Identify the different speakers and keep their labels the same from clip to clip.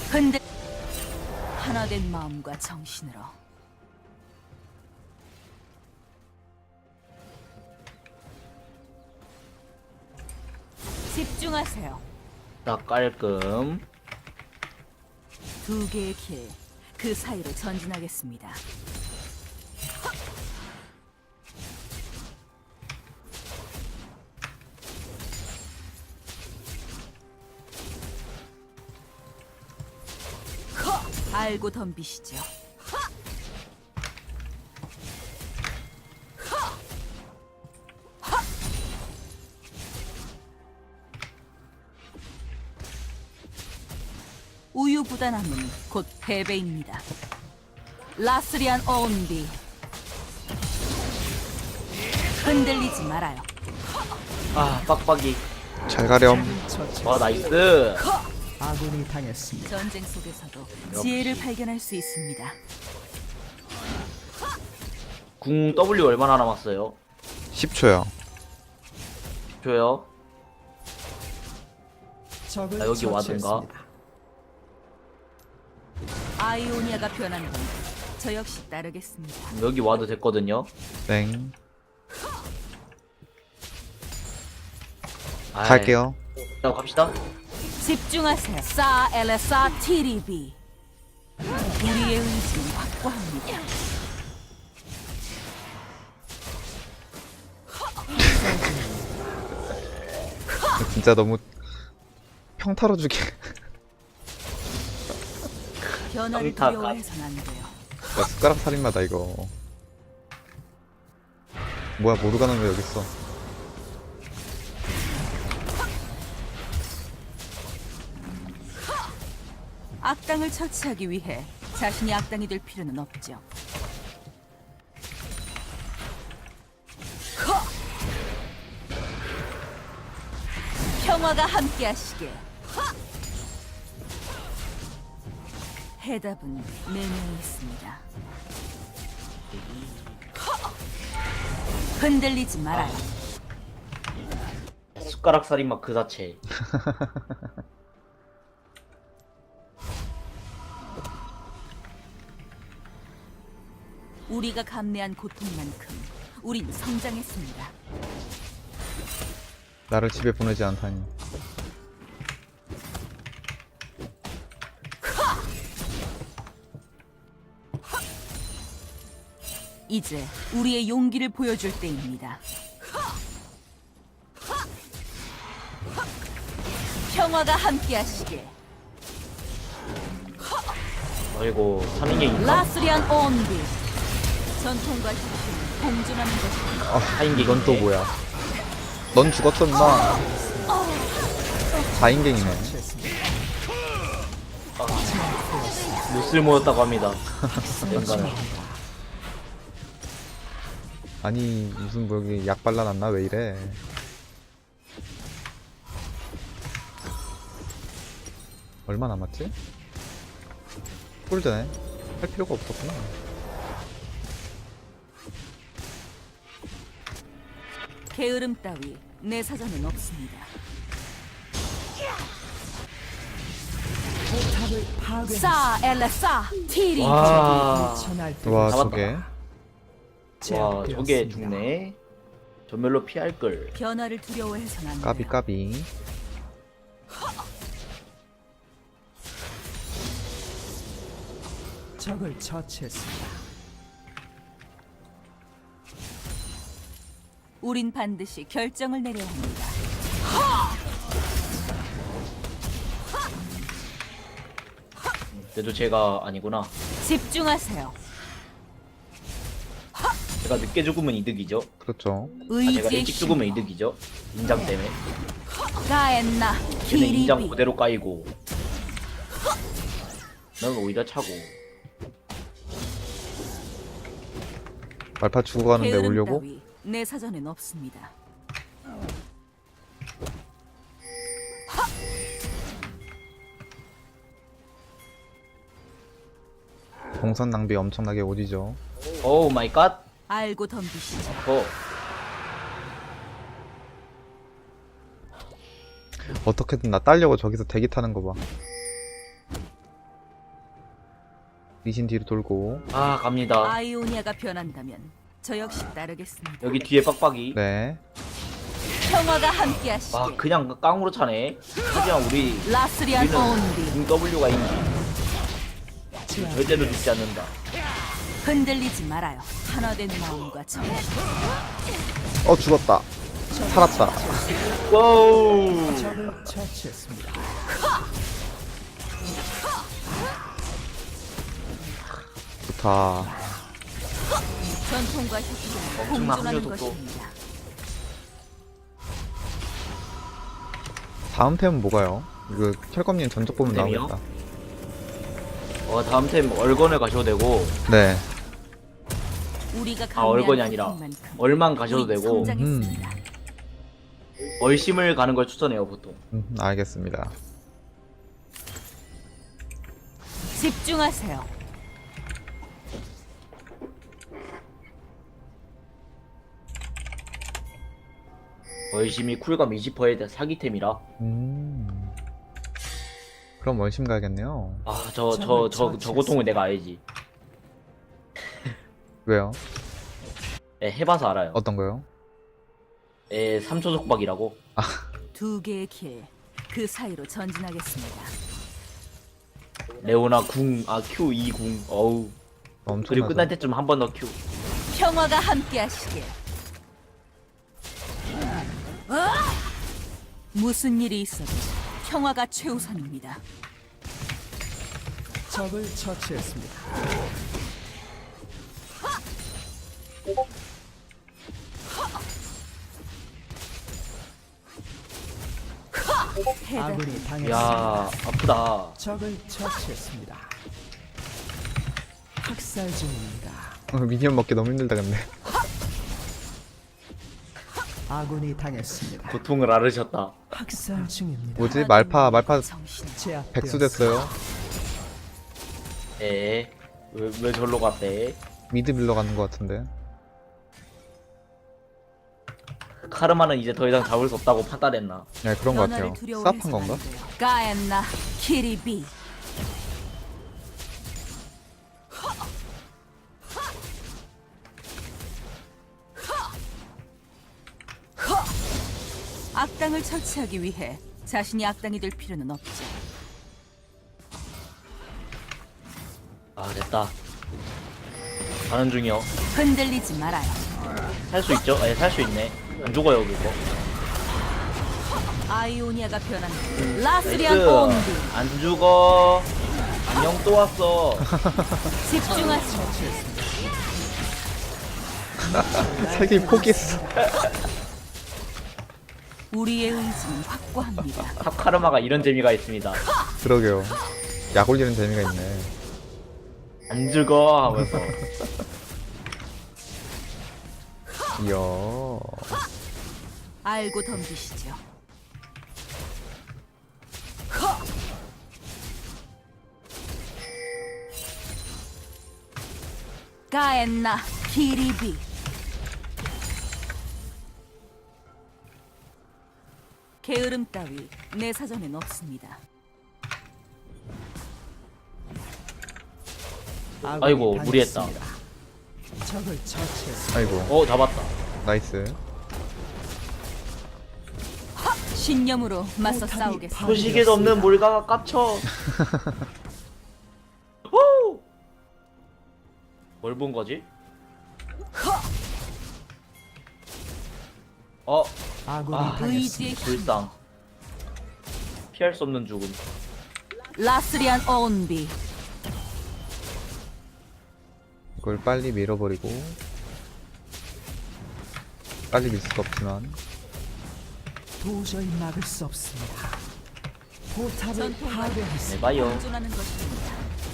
Speaker 1: 근데 하나된 마음과 정신으로 집중하세요.
Speaker 2: 딱 깔끔.
Speaker 1: 두 개의 길, 그 사이로 전진하겠습니다. 알고 덤비시죠. 우유부단함은 곧 패배입니다. 라스리안 온비 흔들리지 말아요.
Speaker 2: 아, 빡빡이.
Speaker 3: 잘 가렴.
Speaker 2: 와, 나이스.
Speaker 4: 아군이 당했습니다.
Speaker 1: 전쟁 속에서도 지혜를 발견할 수 있습니다.
Speaker 2: 궁 W 얼마나 남았어요?
Speaker 3: 10초요.
Speaker 2: 줘요.
Speaker 4: 적을
Speaker 2: 아, 여기 와든가?
Speaker 4: 처치했습니다.
Speaker 1: 아이오니아가 변하는 건 저 역시 따르겠습니다.
Speaker 2: 여기 와도 됐거든요.
Speaker 3: 땡.
Speaker 2: 아이,
Speaker 3: 갈게요.
Speaker 2: 자, 갑시다.
Speaker 1: 집중하세요. 사 엘레사 티리비. 우리의 의지는 확고합니다.
Speaker 3: 진짜 너무 평타로 주게.
Speaker 1: 변화를
Speaker 2: 평타가.
Speaker 1: 두려워해서는 안 돼요.
Speaker 3: 야, 숟가락 살인마다 이거. 뭐야, 모르가는 왜 여기 있어?
Speaker 1: 악당을 처치하기 위해 자신이 악당이 될 필요는 없죠. 평화가 함께하시게. 해답은 네 명이 있습니다. 흔들리지 말아요.
Speaker 2: 숟가락 살인마 그 자체.
Speaker 1: 우리가 감내한 고통만큼 우린 성장했습니다.
Speaker 3: 나를 집에 보내지 않다니.
Speaker 1: 이제 우리의 용기를 보여줄 때입니다. 평화가 함께하시게.
Speaker 2: 아이고, 사는 게 있나?
Speaker 1: 라스리안 온비. 전통과 혁신은 공존하는 것입니다.
Speaker 2: 사인 게
Speaker 3: 이건 또 뭐야? 넌 죽었어, 임마. 4인갱이네.
Speaker 2: 못쓸 모였다고 합니다. 연간은.
Speaker 3: 아니, 무슨 뭐 여기 약 발라놨나? 왜 이래? 얼마 남았지? 꿀드네. 할 필요가 없었구나.
Speaker 1: 게으름 따위 내 사전은 없습니다.
Speaker 4: 포탑을 파괴.
Speaker 1: 사 엘레사 티리.
Speaker 2: 와,
Speaker 4: 천할
Speaker 3: 와,
Speaker 2: 잡았다.
Speaker 3: 저게.
Speaker 2: 와, 저게 죽네. 전멸로 피할 걸.
Speaker 1: 변화를 두려워해서는 안 돼요.
Speaker 3: 까비, 까비.
Speaker 4: 적을 처치했습니다.
Speaker 1: 우린 반드시 결정을 내려야 합니다.
Speaker 2: 그래도 제가 아니구나.
Speaker 1: 집중하세요.
Speaker 2: 제가 늦게 죽으면 이득이죠.
Speaker 3: 그렇죠.
Speaker 2: 아, 제가
Speaker 1: 의지의
Speaker 2: 일찍
Speaker 1: 힘.
Speaker 2: 죽으면 이득이죠. 인장 때문에.
Speaker 1: 가엔나
Speaker 2: 걔는 인장
Speaker 1: 티리비.
Speaker 2: 그대로 까이고. 난 오히려 차고.
Speaker 3: 말파 죽어가는데
Speaker 1: 게으름
Speaker 3: 오려고?
Speaker 1: 따위 내 사전엔 없습니다.
Speaker 3: 동선 낭비 엄청나게 오지죠.
Speaker 2: 오 마이 갓.
Speaker 1: 알고 덤비시죠.
Speaker 2: 어.
Speaker 3: 어떻게든 나 따려고 저기서 대기 타는 거 봐. 리신 뒤로 돌고.
Speaker 2: 아 갑니다.
Speaker 1: 아이오니아가 변한다면 저 역시 따르겠습니다.
Speaker 2: 여기 뒤에 빡빡이.
Speaker 3: 네.
Speaker 1: 평화가 함께하시길.
Speaker 2: 아 그냥 깡으로 차네. 하지만
Speaker 1: 라스리안
Speaker 2: 우리는
Speaker 1: 온비.
Speaker 2: W가 있니? 절대로 죽지 않는다.
Speaker 1: 흔들리지 말아요. 하나된 마음과 정신.
Speaker 3: 죽었다. 살았다.
Speaker 2: 와우.
Speaker 4: 적을 처치했습니다.
Speaker 3: 좋다.
Speaker 1: 전통과 혁신은
Speaker 2: 엄청난
Speaker 1: 공존하는
Speaker 2: 합류 속도.
Speaker 1: 것입니다.
Speaker 3: 다음 템은 뭐가요? 이거 철검님 전적 보면
Speaker 2: 템이요?
Speaker 3: 나오겠다.
Speaker 2: 다음 템 얼건을 가셔도 되고.
Speaker 3: 네.
Speaker 1: 우리가
Speaker 2: 아 얼건이
Speaker 1: 감내한
Speaker 2: 아니라
Speaker 1: 고통만큼
Speaker 2: 얼만 가셔도
Speaker 1: 우리
Speaker 2: 되고
Speaker 1: 성장했습니다.
Speaker 2: 얼심을 가는 걸 추천해요 보통.
Speaker 3: 알겠습니다.
Speaker 1: 집중하세요.
Speaker 2: 얼심이 쿨감 20%에 대한 사기템이라.
Speaker 3: 그럼 월심 가야겠네요.
Speaker 2: 아 저 고통을 내가 알지.
Speaker 3: 왜요?
Speaker 2: 네, 해봐서 알아요.
Speaker 3: 어떤 거요?
Speaker 2: 3초 속박이라고.
Speaker 1: 두 개의 길, 그 사이로 전진하겠습니다.
Speaker 2: 레오나 궁, Q 2궁. 어우.
Speaker 3: 엄청.
Speaker 2: 그리고 끝날 때쯤 한 번 더 Q.
Speaker 1: 평화가 함께하시길. 무슨 일이 있어도 평화가 최우선입니다.
Speaker 4: 적을 처치했습니다.
Speaker 1: 해답.
Speaker 4: 아군이 당했습니다.
Speaker 2: 야 아프다.
Speaker 4: 적을 처치했습니다. 학살 중입니다.
Speaker 3: 미니언 먹기 너무 힘들다 근데.
Speaker 4: 아군이 당했습니다.
Speaker 2: 고통을 앓으셨다.
Speaker 4: 학살 중입니다.
Speaker 3: 뭐지? 말파
Speaker 1: 정신을
Speaker 4: 제압되었습니다.
Speaker 3: 백수 됐어요.
Speaker 2: 왜 절로 갔대?
Speaker 3: 미드 빌러 가는 것 같은데.
Speaker 2: 카르마는 이제 더 이상 잡을 수 없다고 판단했나?
Speaker 3: 네 그런 것 같아요. 쌉한 건가?
Speaker 1: 가엔나 키리비. 악당을 처치하기 위해 자신이 악당이 될 필요는 없죠.
Speaker 2: 아 됐다. 가는 중이요.
Speaker 1: 흔들리지 말아요.
Speaker 2: 살 수 있죠? 살 수 있네. 안 죽어요 그거.
Speaker 1: 아이오니아가 변한다.
Speaker 2: 나이스.
Speaker 1: 라스리안 온비.
Speaker 2: 안 죽어. 안녕 또 왔어.
Speaker 1: 집중하세요.
Speaker 3: 세계 포기했어.
Speaker 1: 우리의 의지는 확고합니다.
Speaker 2: 탑 카르마가 이런 재미가 있습니다.
Speaker 3: 그러게요. 약 올리는 재미가 있네.
Speaker 2: 안 죽어 하면서.
Speaker 3: 이야.
Speaker 1: 알고 덤비시죠. 가엔나 키리비. 게으름 따위 내 사전엔 없습니다.
Speaker 4: 아군이
Speaker 2: 아이고, 무리했다.
Speaker 4: 당했습니다. 적을 처치했습니다.
Speaker 3: 아이고.
Speaker 2: 잡았다.
Speaker 3: 나이스.
Speaker 1: 신념으로 맞서
Speaker 4: 포탑이
Speaker 1: 싸우겠습니다.
Speaker 2: 소식에도 없는 몰가가 깝쳐. 후! 뭘 본 거지?
Speaker 4: 아군이
Speaker 2: 아,
Speaker 4: 당했습니다.
Speaker 1: 의지의 힘.
Speaker 2: 불상. 피할 수 없는 죽음.
Speaker 1: 라스리안 온비.
Speaker 3: 이걸 빨리 밀어버리고. 빨리 밀 수가 없지만.
Speaker 4: 도저히 막을 수 없습니다. 포탑을
Speaker 1: 전통과
Speaker 4: 파괴했습니다.
Speaker 2: 네, 봐요.
Speaker 1: 공존하는 것입니다.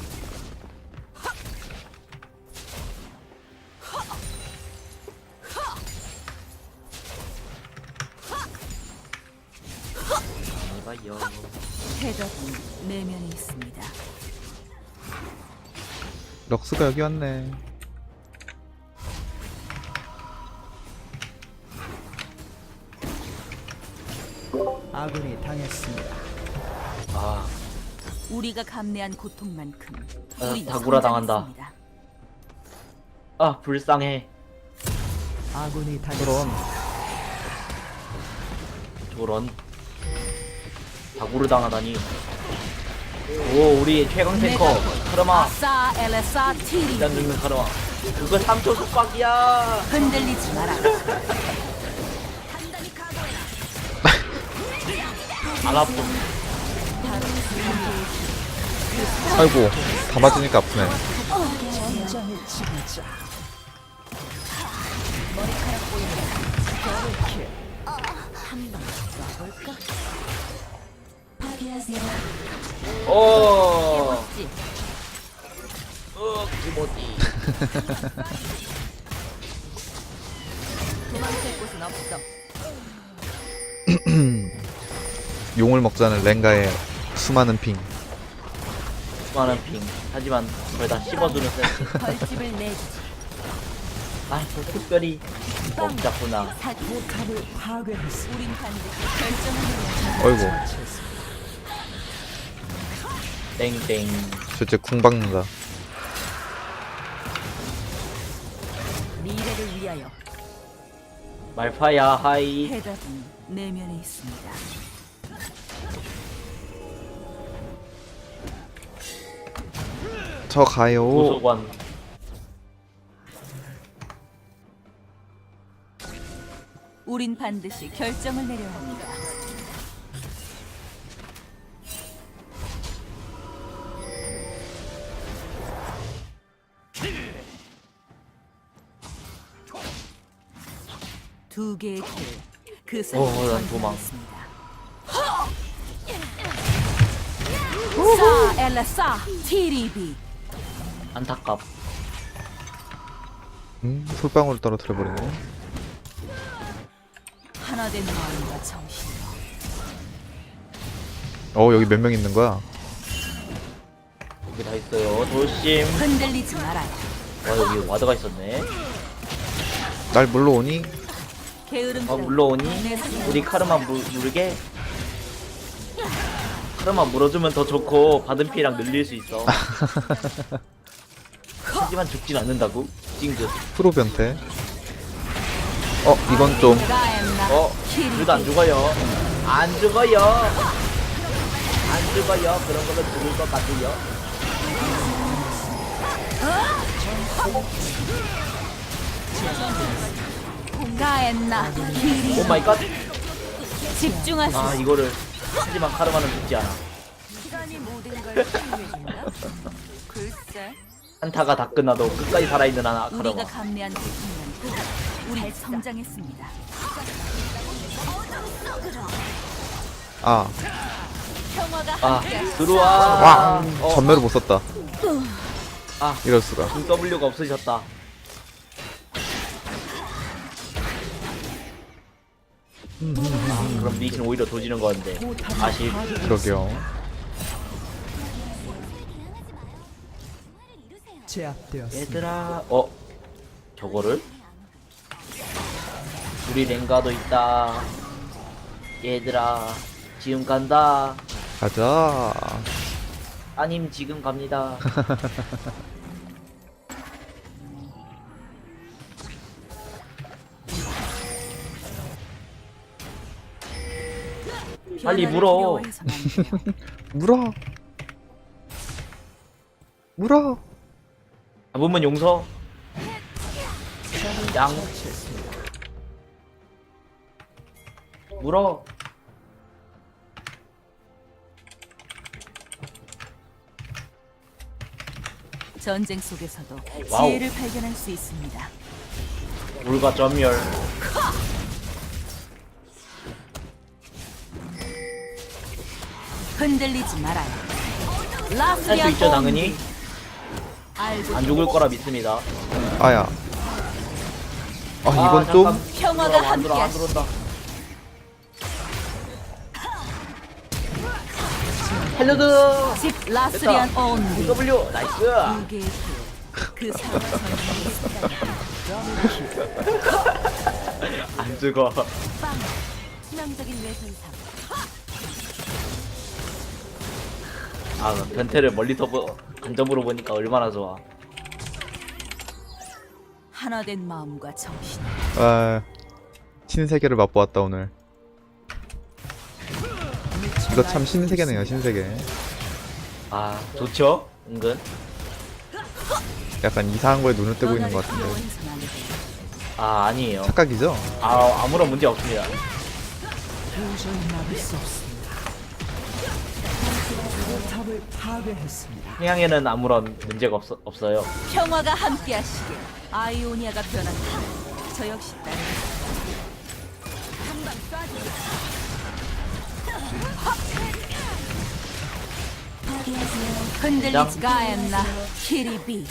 Speaker 2: 봐요.
Speaker 1: 해답은 내면에 있습니다.
Speaker 3: 럭스가 여기 왔네.
Speaker 4: 아군이 당했습니다.
Speaker 2: 아,
Speaker 1: 우리가 감내한 고통만큼 우리
Speaker 2: 다구라 당한다.
Speaker 1: 성장했습니다.
Speaker 2: 아 불쌍해.
Speaker 4: 아군이
Speaker 3: 그럼
Speaker 4: 당했습니다.
Speaker 2: 저런 다구를 당하다니. 오 우리 최강 탱커 카르마.
Speaker 1: 아싸 엘레사 티리.
Speaker 2: 일단 죽는 카르마. 그거 3초 속박이야.
Speaker 1: 흔들리지 마라.
Speaker 2: 안 아픔.
Speaker 3: 아이고 다 맞으니까 아프네.
Speaker 4: 전장의 지배자.
Speaker 2: 오.
Speaker 1: 찌.
Speaker 2: 기모지.
Speaker 1: 도망칠 곳은 없어.
Speaker 3: 용을 먹자는 랭가의 수많은 핑.
Speaker 2: 수많은 핑. 하지만 그걸 다 씹어주는 센스.
Speaker 1: 벌집을 내주지.
Speaker 2: 아, 저 특별히 먹자꾸나.
Speaker 1: 사기.
Speaker 4: 포탑을 파괴했습니다.
Speaker 1: 우린 반드시 결정을 내려.
Speaker 3: 어이구
Speaker 4: 처치했습니다.
Speaker 2: 땡땡.
Speaker 3: 저째 궁 박는다.
Speaker 1: 미래를 위하여
Speaker 2: 말파야 하이.
Speaker 1: 해답은 내면에 있습니다.
Speaker 3: 저 가요.
Speaker 2: 도서관.
Speaker 1: 우린 반드시 결정을 내려야 합니다. 두 개의 그
Speaker 2: 난 도망.
Speaker 1: 있습니다. 사 엘레사 티리비.
Speaker 2: 안타깝.
Speaker 3: 솔방울을 떨어뜨려 버리네.
Speaker 1: 하나된 마음과 정신으로
Speaker 3: 여기 몇 명 있는 거야?
Speaker 2: 여기 다 있어요. 조심.
Speaker 1: 흔들리지 말아요.
Speaker 2: 와 여기 와드가 있었네.
Speaker 3: 날 물러오니?
Speaker 1: 게으름
Speaker 2: 물러오니? 우리 카르마 물게. 카르마 물어주면 더 좋고 받은 피랑 늘릴 수 있어. 하지만 죽진 않는다고? 찡긋.
Speaker 3: 프로 변태. 이건 좀
Speaker 2: 그래도 안 죽어요. 안 죽어요. 안 죽어요. 그런 걸로 죽을 것 같아요.
Speaker 1: 가엔나
Speaker 2: 오 마이 갓.
Speaker 1: 집중하시오.
Speaker 2: 아 이거를. 하지만 카르마는 죽지 않아.
Speaker 1: 시간이 모든 걸 치유해준다. 글쎄,
Speaker 2: 한타가 다 끝나도 끝까지 살아있는 하나
Speaker 1: 우리가
Speaker 2: 카르마.
Speaker 1: 감내한 고통만큼 우리 성장했습니다. 평화가
Speaker 2: 아
Speaker 1: 함께
Speaker 2: 들어와.
Speaker 3: 와 전멸을 못 썼다.
Speaker 2: 아.
Speaker 3: 이럴 수가.
Speaker 2: W가 없어졌다. 그럼 리신 오히려 도지는 건데. 아쉽.
Speaker 3: 그러게요.
Speaker 4: 제압되었습니다.
Speaker 2: 얘들아. 저거를? 우리 랭가도 있다. 얘들아. 지금 간다.
Speaker 3: 가자.
Speaker 2: 아님 지금 갑니다. 빨리 물어.
Speaker 1: 두려워해서는 안 돼요.
Speaker 3: 물어. 물어.
Speaker 2: 잡으면 용서. 양. 물어.
Speaker 1: 전쟁 속에서도
Speaker 2: 와우.
Speaker 1: 지혜를 발견할 수 있습니다.
Speaker 2: 물과 전멸.
Speaker 1: 흔들리지 말아요.
Speaker 2: 할 수
Speaker 1: 라스리안
Speaker 2: 있죠 당연히.
Speaker 1: 알고
Speaker 2: 안 죽을 거라 믿습니다.
Speaker 3: 아야. 이건 좀
Speaker 2: 잠깐.
Speaker 1: 평화가
Speaker 2: 안 들어 안
Speaker 1: 함께하시.
Speaker 2: 들어온다. 헬로드.
Speaker 1: 집 라스리안 온리.
Speaker 2: W 나이스.
Speaker 1: 두 개의 그 사람
Speaker 2: 안 죽어.
Speaker 1: 빵. 치명적인 외손상.
Speaker 2: 아 변태를 멀리서 간접으로 보니까 얼마나 좋아.
Speaker 1: 하나된 마음과 정신.
Speaker 3: 아, 신세계를 맛보았다 오늘. 이거 참 신세계네요, 신세계.
Speaker 2: 아 좋죠? 은근.
Speaker 3: 약간 이상한 거에 눈을 뜨고 있는 것 같은데.
Speaker 1: 두려워해선 안 돼.
Speaker 2: 아 아니에요.
Speaker 3: 착각이죠?
Speaker 2: 아 아무런 문제 없습니다.
Speaker 4: 도저히 막을 수 없습니다. 포탑을 파괴했습니다.
Speaker 2: 평양에는 아무런 문제가 없어요.
Speaker 1: 평화가 함께하시길. 아이오니아가 변한다. 저 역시 따르. 한방 쏴주세요. 흔들리지 가엔나 키리비.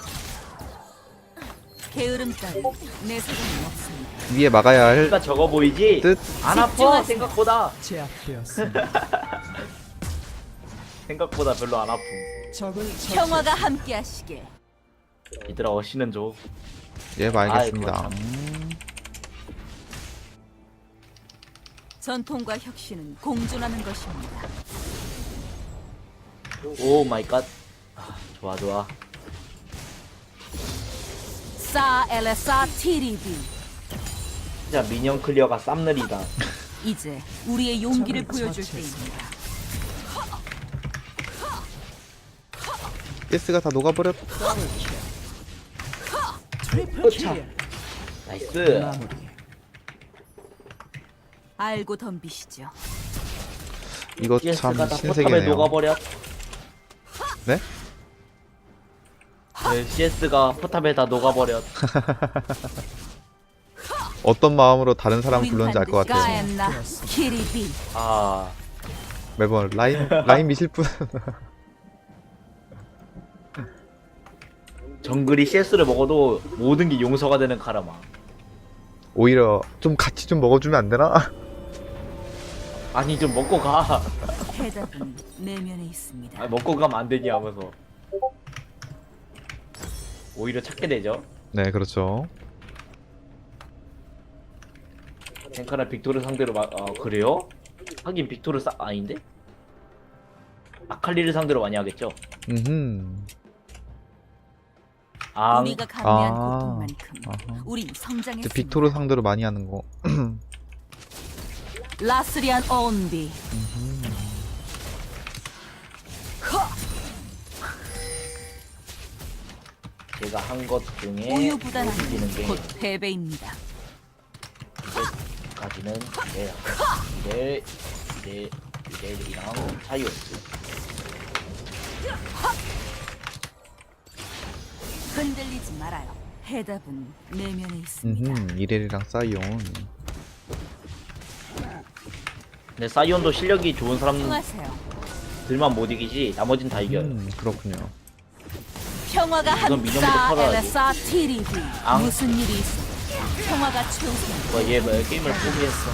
Speaker 1: 게으름 따위 내 사정은 없습니다.
Speaker 3: 위에 막아야 할
Speaker 2: 그러니까 적어 보이지?
Speaker 3: 뜻?
Speaker 2: 안 아파
Speaker 1: 집중하세요.
Speaker 2: 생각보다.
Speaker 4: 제압되었습니다.
Speaker 2: 생각보다 별로 안 아픔.
Speaker 4: 적을
Speaker 1: 평화가 함께하시길.
Speaker 2: 얘들아 어시는 줘.
Speaker 3: 예, 알겠습니다.
Speaker 2: 아이고,
Speaker 1: 전통과 혁신은 공존하는 것입니다.
Speaker 2: 오 마이 갓. 아, 좋아 좋아.
Speaker 1: 사 엘레사 티리비.
Speaker 2: 진짜 미니언 클리어가 쌈느리다.
Speaker 1: 이제 우리의 용기를
Speaker 4: 적을
Speaker 1: 보여줄
Speaker 4: 처치했습니다.
Speaker 1: 때입니다.
Speaker 3: 예스가 다 녹아버렸.
Speaker 4: 트리플
Speaker 2: 으차.
Speaker 4: 킬.
Speaker 2: 나이스.
Speaker 4: 마무리.
Speaker 1: 알고 덤비시죠.
Speaker 3: 이거 참
Speaker 2: CS가 다 포탑에
Speaker 3: 신세계네요.
Speaker 2: 녹아버려.
Speaker 3: 네?
Speaker 2: 네, CS가 포탑에 다 녹아버려.
Speaker 3: 어떤 마음으로 다른 사람
Speaker 1: 우린
Speaker 3: 불렀는지 알 것
Speaker 1: 반드시
Speaker 3: 같아요.
Speaker 1: 가엔나 키리비.
Speaker 2: 아
Speaker 3: 매번 라인 미실 분.
Speaker 2: 정글이 CS를 먹어도 모든 게 용서가 되는 카라마.
Speaker 3: 오히려 좀 같이 좀 먹어주면 안 되나?
Speaker 2: 아니 좀 먹고 가.
Speaker 1: 해답은 내면에 있습니다.
Speaker 2: 아, 먹고 가면 안 되니 하면서 오히려 찾게 되죠.
Speaker 3: 네, 그렇죠.
Speaker 2: 탱카나 빅토르 상대로 그래요? 하긴 빅토르 아닌데? 아칼리를 상대로 많이 하겠죠. 앙.
Speaker 1: 우리가 감내한
Speaker 3: 아.
Speaker 1: 고통만큼
Speaker 3: 아하.
Speaker 1: 우린
Speaker 3: 이제
Speaker 1: 성장했습니다.
Speaker 3: 빅토르 상대로 많이 하는 거.
Speaker 1: 라스리안 온비.
Speaker 2: 제가 한 것 중에 이기는
Speaker 1: 우유부단한
Speaker 2: 게
Speaker 1: 곧 패배입니다.
Speaker 2: 이제까지는 이래이랑 차이였어.
Speaker 1: 흔들리지 말아요. 해답은 내면에 있습니다.
Speaker 3: 이렐이랑 사이온.
Speaker 2: 근데 사이온도 실력이 좋은 사람들만
Speaker 1: 집중하세요.
Speaker 2: 못 이기지 나머진 다 이겨요.
Speaker 3: 그렇군요.
Speaker 1: 평화가
Speaker 2: 우선 민영부터
Speaker 1: 함싸
Speaker 2: 털어야지.
Speaker 1: 엘레사 티리비.
Speaker 2: 앙.
Speaker 1: 무슨 일이 있어? 평화가 최우선.
Speaker 2: 얘 게임을 포기했어.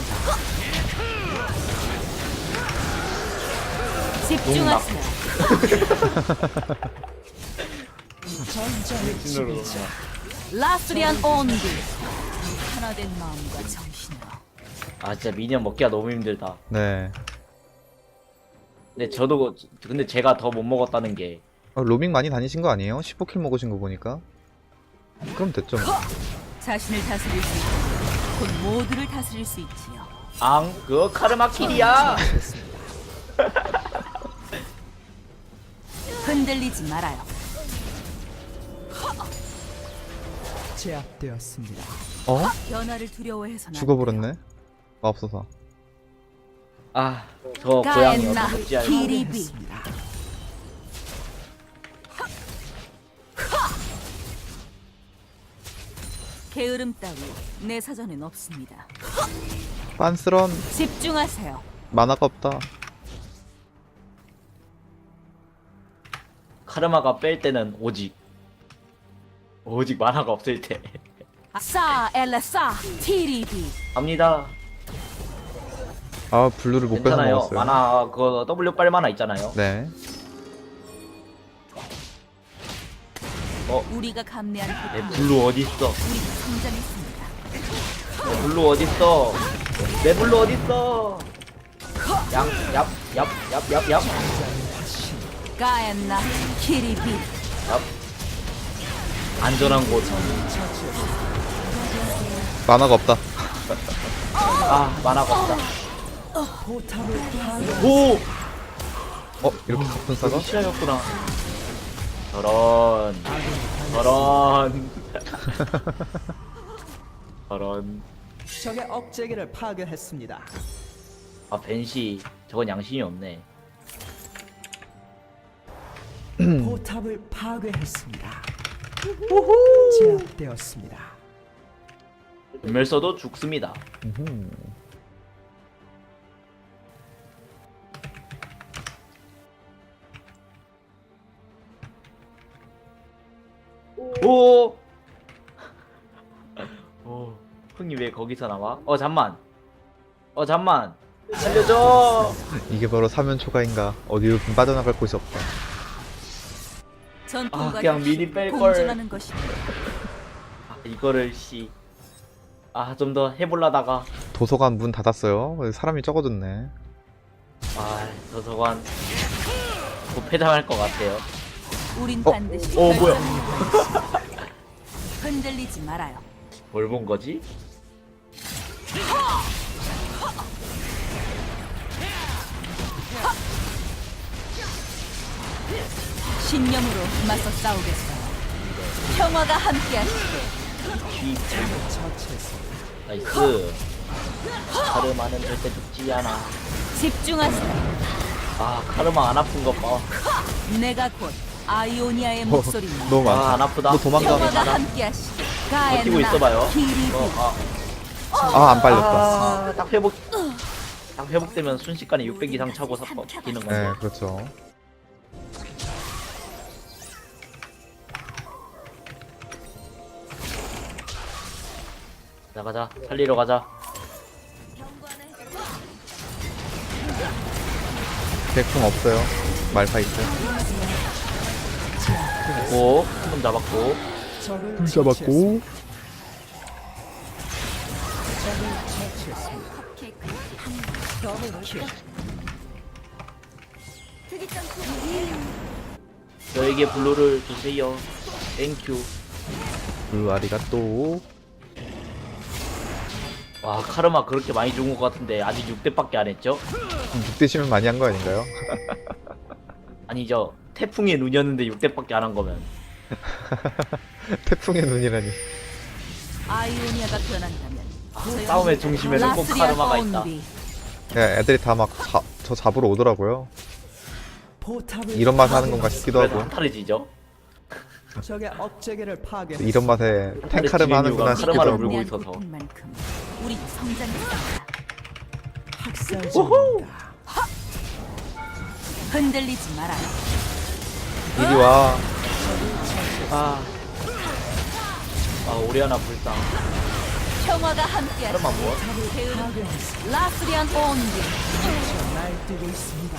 Speaker 1: 집중하세요.
Speaker 4: 전장의
Speaker 2: 진으로.
Speaker 4: 지배자.
Speaker 1: 라스리안 온비. 하나된 마음과 정신으로.
Speaker 2: 아 진짜 미니언 먹기가 너무 힘들다.
Speaker 3: 네.
Speaker 2: 근데 제가 더 못 먹었다는 게
Speaker 3: 로밍 많이 다니신 거 아니에요? 15킬 먹으신 거 보니까. 그럼 됐죠. 뭐.
Speaker 1: 자신을 다스릴 수 있고 곧 모두를 다스릴 수 있지요.
Speaker 2: 그거 카르마 킬이야.
Speaker 1: 흔들리지 말아요.
Speaker 4: 제압되었습니다.
Speaker 3: 어?
Speaker 1: 변화를 두려워해서는
Speaker 3: 죽어버렸네. 마법소사.
Speaker 2: 저 고양이
Speaker 1: 가엔나
Speaker 2: 어떻게 알고?
Speaker 1: 키리비.
Speaker 4: 파괴했습니다.
Speaker 1: 게으름 따위 내 사전엔 없습니다.
Speaker 3: 빤스런
Speaker 1: 집중하세요.
Speaker 3: 만화가 없다.
Speaker 2: 카르마가 뺄 때는 오직 만화가 없을 때
Speaker 1: 싸 엘레사 티리비.
Speaker 2: 갑니다.
Speaker 3: 아, 블루를 못 뺏어
Speaker 2: 괜찮아요.
Speaker 3: 먹었어요.
Speaker 2: 만화 그거 W 빨 만화 있잖아요.
Speaker 3: 네.
Speaker 1: 우리가 감내한
Speaker 2: 내
Speaker 1: 고통.
Speaker 2: 블루 어디 있어?
Speaker 1: 우리가 성장했습니다.
Speaker 2: 내 블루 어디 있어? 내 블루 어디 있어? 얍얍얍얍얍얍.
Speaker 1: 가엔나 키리비.
Speaker 2: 얍. 안전한 곳.
Speaker 3: 만화가 없다.
Speaker 2: 아, 만화가 없다.
Speaker 4: 포탑을 파괴.
Speaker 2: 오!
Speaker 3: 이렇게 분사가?
Speaker 2: 여기 실화였구나. 저런. 저런. 저런.
Speaker 4: 적의 억제기를 파괴했습니다.
Speaker 2: 아, 벤시. 저건 양심이 없네.
Speaker 4: 포탑을 파괴했습니다. 제압되었습니다.
Speaker 2: 전멸 써도 죽습니다.
Speaker 3: 음흠.
Speaker 2: 오! 오, 형님 왜 거기서 나와? 잠만. 잠만. 살려줘.
Speaker 3: 이게 바로 사면 초가인가. 어디로 빠져나갈 곳이 없다.
Speaker 1: 전통과
Speaker 2: 그냥
Speaker 1: 역시
Speaker 2: 미리 뺄 걸.
Speaker 1: 공존하는 것입니다.
Speaker 2: 이거를 씨. 좀 더 해볼라다가.
Speaker 3: 도서관 문 닫았어요. 사람이 적어졌네.
Speaker 2: 도서관 곧 폐장할 것 같아요.
Speaker 1: 우린 반드시
Speaker 2: 뭐야.
Speaker 1: 결정을 내리겠습니다. 흔들리지 말아요.
Speaker 2: 뭘 본 거지?
Speaker 1: 신념으로 맞서 싸우겠어요. 평화가 함께하시길.
Speaker 4: 처치했습니다.
Speaker 2: 나이스. 카르마는 절대 죽지 않아.
Speaker 1: 집중하세요.
Speaker 2: 카르마 안 아픈 것 봐.
Speaker 1: 내가 곧 아이오니아의 목소리입니다.
Speaker 3: 너무 많다.
Speaker 2: 안 아프다.
Speaker 3: 너 도망가.
Speaker 1: 평화가 함께하시길.
Speaker 2: 버티고 있어봐요.
Speaker 1: 키리비.
Speaker 3: 안 빨렸다.
Speaker 2: 딱 회복. 딱 회복되면 순식간에 600 이상 차고 버티는 건데.
Speaker 3: 네, 그렇죠.
Speaker 2: 가자. 살리러 가자.
Speaker 3: 백풍 없어요. 말파이트.
Speaker 2: 오, 한번 잡았고.
Speaker 4: 적을
Speaker 3: 불 잡았고.
Speaker 4: 처치했습니다. 더블킬.
Speaker 2: 저에게 블루를 주세요. 땡큐.
Speaker 3: 블루 아리가또.
Speaker 2: 와, 카르마 그렇게 많이 죽은 것 같은데 아직 6대밖에 안 했죠?
Speaker 3: 6대시면 많이 한 거 아닌가요?
Speaker 2: 아니죠. 태풍의 눈이었는데 6대밖에 안 한 거면.
Speaker 3: 태풍의 눈이라니.
Speaker 1: 아이오니아가 변한다면
Speaker 2: 싸움의 중심에는 꼭 카르마가 있다.
Speaker 1: 온비.
Speaker 3: 애들이 다 막 저 잡으러 오더라고요.
Speaker 4: 포탑을
Speaker 3: 이런 맛에 하는 건가 싶기도
Speaker 2: 그래도
Speaker 3: 하고.
Speaker 2: 한타르지죠.
Speaker 4: 적의 억제기를 파괴.
Speaker 3: 이런 맛에 탱카르마 하는구나
Speaker 2: 카르마를
Speaker 3: 싶기도 하고.
Speaker 2: 물고
Speaker 1: 대한
Speaker 2: 있어서.
Speaker 1: 고통만큼 우리 성장했습니다.
Speaker 4: 학살 중입니다.
Speaker 1: 흔들리지 말아요.
Speaker 3: 이리 와.
Speaker 2: 오리아나 불쌍.
Speaker 1: 평화가 함께하시길.
Speaker 2: 카르마 뭐?
Speaker 1: 라스리안 온비.
Speaker 4: 날뛰고 있습니다.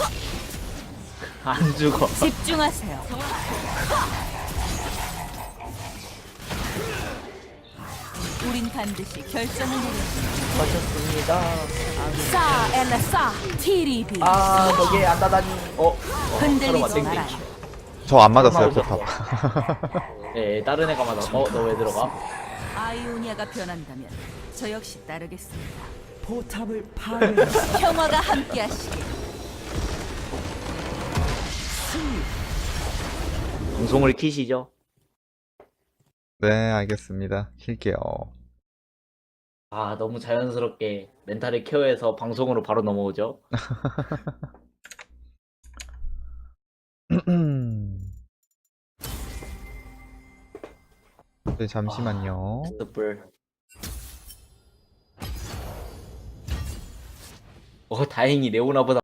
Speaker 2: 안 죽어.
Speaker 1: 집중하세요. 우린 반드시 결정을 내립니다.
Speaker 2: 맞췄습니다.
Speaker 1: 싸 엘라 싸 티리비.
Speaker 2: 거기에 안 닫아니. 카르마
Speaker 1: 흔들리지
Speaker 2: 땡땡.
Speaker 1: 말아요.
Speaker 3: 저 안 맞았어요,
Speaker 2: 카르마
Speaker 3: 포탑.
Speaker 2: 네, 다른 애가 맞아. 너 왜 들어가?
Speaker 1: 아이오니아가 변한다면 저 역시 따르겠습니다.
Speaker 4: 포탑을 파괴했습니다.
Speaker 1: 평화가 함께하시길.
Speaker 2: 방송을 키시죠.
Speaker 3: 네, 알겠습니다. 킬게요.
Speaker 2: 너무 자연스럽게 멘탈을 케어해서 방송으로 바로 넘어오죠.
Speaker 3: 네, 잠시만요.
Speaker 2: 숯불. 다행히 레오나보다